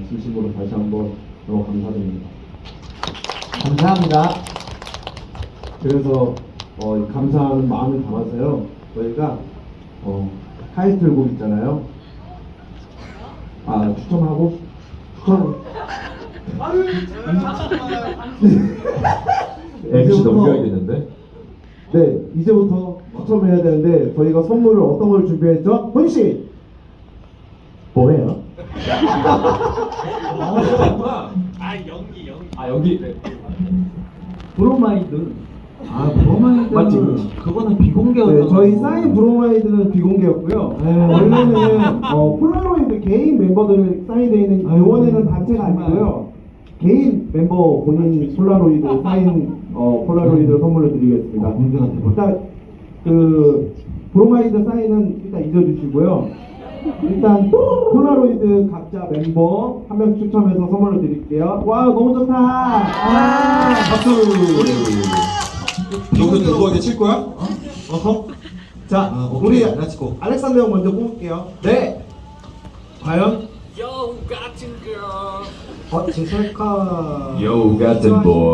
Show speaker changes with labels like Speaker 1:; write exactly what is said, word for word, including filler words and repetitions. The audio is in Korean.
Speaker 1: 진심으로 다시 한번 너무 감사드립니다.
Speaker 2: 감사합니다.
Speaker 1: 그래서 어, 이 감사하는 마음을 담아서요. 저희가 어, 타이틀곡 있잖아요. 아 추첨하고 추천.
Speaker 3: 엠씨 넘겨야겠는데?
Speaker 1: 네, 이제부터 추첨해야 되는데 저희가 선물을 어떤 걸 준비했죠? 훈 씨, 뭐예요?
Speaker 4: 아 연기 연기.
Speaker 3: 아 여기 네.
Speaker 2: 브로마이드. 아 브로마이드
Speaker 1: 맞지?
Speaker 2: 그거는 비공개였던
Speaker 1: 네, 저희
Speaker 2: 거고.
Speaker 1: 사인 브로마이드는 비공개였고요.
Speaker 2: 네.
Speaker 1: 원래는 어, 폴라로이드 개인 멤버들 사인되어 있는
Speaker 2: 아유,
Speaker 1: 이번에는 단체가
Speaker 2: 정말.
Speaker 1: 아니고요. 개인 멤버 본인 폴라로이드 사인 어, 폴라로이드 선물로 드리겠습니다.
Speaker 2: 아, 공개가 돼버렸-
Speaker 1: 일단 그 브로마이드 사인은 일단 잊어주시고요. 일단 폴라로이드 각자 멤버 한 명 추첨해서 선물로 드릴게요. 와 너무 좋다. 와.
Speaker 3: 박수! 여기서 누구한테 칠 거야?
Speaker 1: 어허. 자,
Speaker 2: 아, 오케이.
Speaker 1: 우리
Speaker 2: 렛츠고.
Speaker 1: 알렉산더 형 먼저 뽑을게요. 네. 과연?
Speaker 4: 여우 같은 걸.
Speaker 1: 어, 제 셀카.
Speaker 3: Yo, 같은 boy.